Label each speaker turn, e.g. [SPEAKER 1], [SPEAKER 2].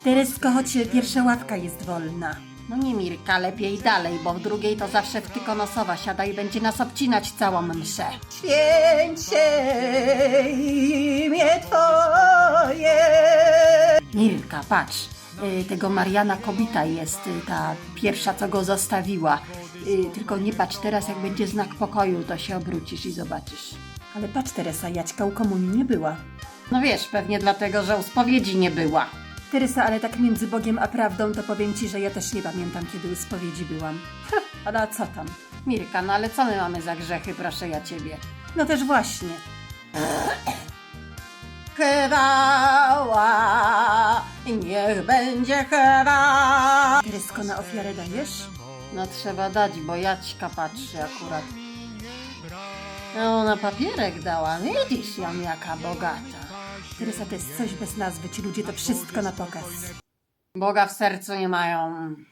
[SPEAKER 1] Teresko, choć pierwsza ławka jest wolna.
[SPEAKER 2] No nie, Mirka, lepiej dalej, bo w drugiej to zawsze wtykonosowa siada i będzie nas obcinać całą mszę.
[SPEAKER 1] Święcie imię Twoje.
[SPEAKER 2] Mirka, patrz, tego Mariana Kobita jest ta pierwsza, co go zostawiła. Tylko nie patrz teraz, jak będzie znak pokoju, to się obrócisz i zobaczysz.
[SPEAKER 1] Ale patrz, Teresa, Jaćka u komunii nie była.
[SPEAKER 2] No wiesz, pewnie dlatego, że u spowiedzi nie była.
[SPEAKER 1] Teresa, ale tak między Bogiem a prawdą, to powiem Ci, że ja też nie pamiętam, kiedy u spowiedzi byłam. Ale a co tam?
[SPEAKER 2] Mirka, no ale co my mamy za grzechy, proszę ja ciebie?
[SPEAKER 1] No też właśnie.
[SPEAKER 2] Chwała, niech będzie chwała.
[SPEAKER 1] Teresko, na ofiarę dajesz?
[SPEAKER 2] No trzeba dać, bo Jaćka patrzy akurat. No na papierek dała, widzisz ją jaka bogata.
[SPEAKER 1] Teresa, to jest coś bez nazwy, ci ludzie to wszystko na pokaz.
[SPEAKER 2] Boga w sercu nie mają.